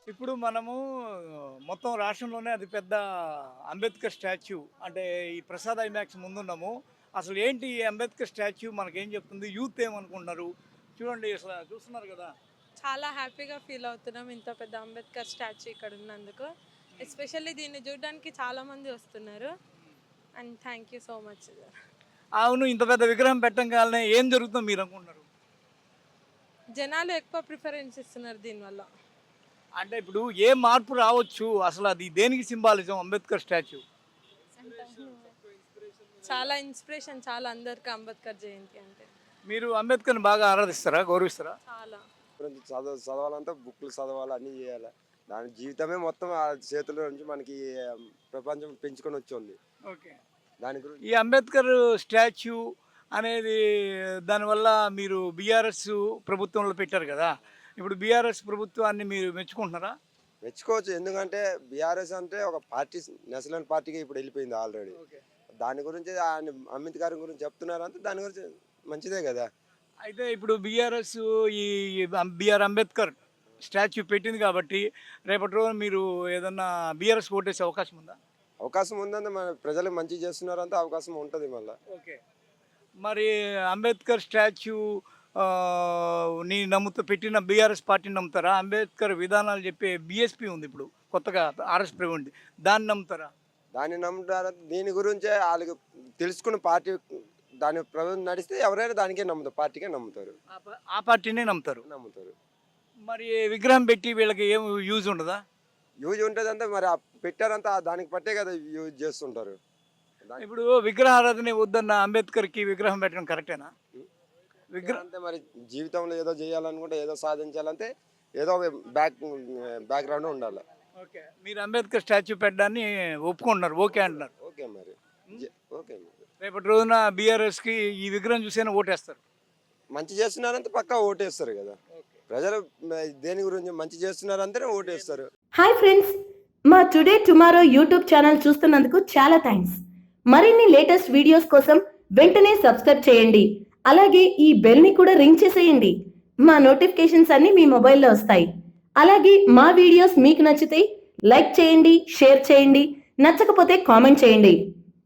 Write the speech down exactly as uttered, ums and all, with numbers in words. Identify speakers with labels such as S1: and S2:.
S1: ఇప్పుడు మనము మొత్తం రాష్ట్రంలోనే అతి పెద్ద అంబేద్కర్ స్టాచ్యూ అంటే ఈ ప్రసాద్ ఐమాక్స్ ముందున్నాము. అసలు ఏంటి ఈ అంబేద్కర్ స్టాచ్యూ మనకేం చెప్తుంది? యూత్ ఏమనుకుంటున్నారు? చూడండి అసలు చూస్తున్నారు కదా!
S2: చాలా హ్యాపీగా ఫీల్ అవుతున్నాం ఇంత పెద్ద అంబేద్కర్ స్టాచ్యూ ఇక్కడ ఉన్నందుకు. ఎస్పెషల్లీ దీన్ని చూడడానికి చాలామంది వస్తున్నారు. And thank you so much.
S1: అవును. ఇంత పెద్ద విగ్రహం పెట్టంగాల్నే ఏం జరుగుతుందో మీరు అనుకుంటున్నారు?
S2: జనాలు ఎక్కువ ప్రిఫరెన్స్ ఇస్తున్నారు దీనివల్ల.
S1: అంటే ఇప్పుడు ఏ మార్పు రావచ్చు? అసలు అది దేనికి సింబాలిజం అంబేద్కర్ స్టాచ్యూ?
S2: చాలా ఇన్స్పిరేషన్ చాలా అందరికి అంబేద్కర్ జయంతి అంటే.
S1: మీరు అంబేద్కర్ని బాగా ఆరాధిస్తారా? గౌరవిస్తారా?
S2: చాలా.
S3: గురించి చదవ చదవాలంటే బుక్లు చదవాలి, అన్నీ చేయాలి. దాని జీవితమే మొత్తం ఆ చేతుల నుంచి మనకి ప్రపంచం పెంచుకొని వచ్చింది.
S1: ఓకే.
S3: దాని గురించి
S1: ఈ అంబేద్కర్ స్టాచ్యూ అనేది దానివల్ల మీరు బీఆర్ఎస్ ప్రభుత్వంలో పెట్టారు కదా! ఇప్పుడు బీఆర్ఎస్ ప్రభుత్వాన్ని మీరు మెచ్చుకుంటున్నారా?
S3: మెచ్చుకోవచ్చు. ఎందుకంటే బీఆర్ఎస్ అంటే ఒక పార్టీ, నేషనల్ పార్టీగా ఇప్పుడు వెళ్ళిపోయింది ఆల్రెడీ.
S1: ఓకే.
S3: దాని గురించి ఆయన అంబేద్కర్ గురించి చెప్తున్నారంటే దాని గురించి మంచిదే కదా.
S1: అయితే ఇప్పుడు బీఆర్ఎస్ ఈ బిఆర్ అంబేద్కర్ స్టాచ్యూ పెట్టింది కాబట్టి రేపటి రోజున మీరు ఏదన్నా బీఆర్ఎస్ ఓటేసే అవకాశం ఉందా?
S3: అవకాశం ఉందంటే మన ప్రజలకు మంచి చేస్తున్నారంటే అవకాశం ఉంటుంది మళ్ళీ.
S1: ఓకే. మరి అంబేద్కర్ స్టాచ్యూ ని నమ్ముతూ పెట్టిన బీఆర్ఎస్ పార్టీని నమ్ముతారా? అంబేద్కర్ విధానాలు చెప్పే బీఎస్పీ ఉంది ఇప్పుడు కొత్తగా ఆర్ఎస్ ఉంది, దాన్ని నమ్ముతారా?
S3: దాన్ని నమ్ముతారు. దీని గురించే వాళ్ళకి తెలుసుకున్న పార్టీ దాని ప్రభుత్వం నడిస్తే ఎవరైనా దానికే నమ్ముతారు, పార్టీకే నమ్ముతారు.
S1: ఆ పా- ఆ పార్టీనే నమ్ముతారు.
S3: నమ్ముతారు.
S1: మరి విగ్రహం పెట్టి వీళ్ళకి ఏం యూజ్ ఉండదా?
S3: యూజ్ ఉంటుందంటే మరి ఆ పెట్టారంతా దానికి పట్టే కదా యూజ్ చేస్తుంటారు. దాని-
S1: ఇప్పుడు విగ్రహారాధన వద్దన్న అంబేద్కర్కి విగ్రహం పెట్టడం కరెక్టేనా? విగ్రహం
S3: అంటే మరి జీవితంలో ఏదో చేయాలనుకుంటే, ఏదో సాధించాలంటే ఏదో ఒక బ్యాక్ బ్యాక్గ్రౌండ్ ఉండాలి.
S1: ఓకే. మీరు అంబేద్కర్ స్టాచ్యూ పెట్టడాన్ని ఒప్పుకుంటున్నారు, ఓకే అంటున్నారు.
S3: ఓకే మరి జ- ఓకే మరి
S1: రేపటి రోజున బీఆర్ఎస్కి ఈ విగ్రహం చూసైనా ఓటేస్తారు.
S3: మంచి చేస్తున్నారంటే పక్కా ఓటేస్తారు కదా. ప్రజలు మ- దేని గురించి మంచి చేస్తున్నారంటేనే ఓటేస్తారు.
S4: హాయ్ ఫ్రెండ్స్, మా టుడే టుమారో యూట్యూబ్ ఛానల్ చూస్తున్నందుకు చాలా థ్యాంక్స్. మరిన్ని లేటెస్ట్ వీడియోస్ కోసం వెంటనే సబ్స్క్రైబ్ చేయండి. అలాగే ఈ బెల్ని కూడా రింగ్ చేసేయండి. మా నోటిఫికేషన్స్ అన్ని మీ మొబైల్లో వస్తాయి. అలాగే మా వీడియోస్ మీకు నచ్చితే లైక్ చేయండి, షేర్ చేయండి, నచ్చకపోతే కామెంట్ చేయండి.